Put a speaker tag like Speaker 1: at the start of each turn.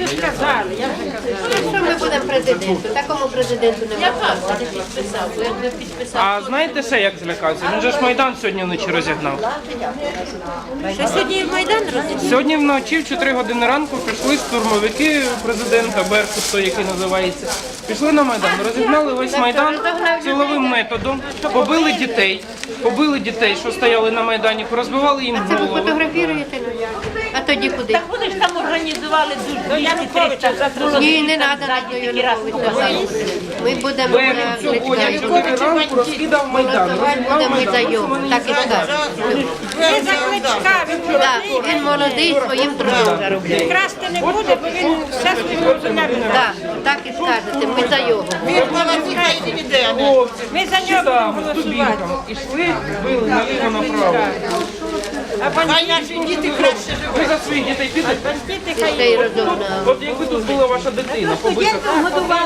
Speaker 1: Сказали, я вже казала.
Speaker 2: Що ми будемо президенту? Такому президенту
Speaker 1: Я
Speaker 2: немає.
Speaker 1: так, не підписав, бо як не підписав.
Speaker 3: А знаєте ще як злякався? Він же ж Майдан сьогодні вночі розігнав.
Speaker 2: Що сьогодні в Майдан розійшли?
Speaker 3: Сьогодні вночі в 4 години ранку прийшли штурмовики президента Беркут, той, який називається. Пішли на Майдан, розігнали весь Майдан силовим методом, побили дітей, що стояли на Майдані, порозбивали їм
Speaker 2: Це ви
Speaker 3: голови.
Speaker 2: фотографіруєте? А тоді куди?
Speaker 1: Так вони ж там організували дуже Януковича за
Speaker 2: Ні, не треба на Януковича. Ми будемо
Speaker 3: Беркут сьогодні в 4 ранку розкидав Майдан,
Speaker 2: будемо ми за його. Так і скажемо.
Speaker 1: Ви за Кличка,
Speaker 2: Так, він молодий, своїм трудом заробляє.
Speaker 1: красти не буде, бо він все своїм землю.
Speaker 2: Так, так і скажете, ми за його.
Speaker 3: Хлопці,
Speaker 1: Ми за нього
Speaker 3: щитами,
Speaker 1: будемо
Speaker 3: з дубінками. Ішли, били наліво направо.
Speaker 1: А наші діти краще живуть.
Speaker 3: Ви за своїх дітей підете?
Speaker 2: Дітей розумно.
Speaker 3: От якби тут була ваша дитина, побита.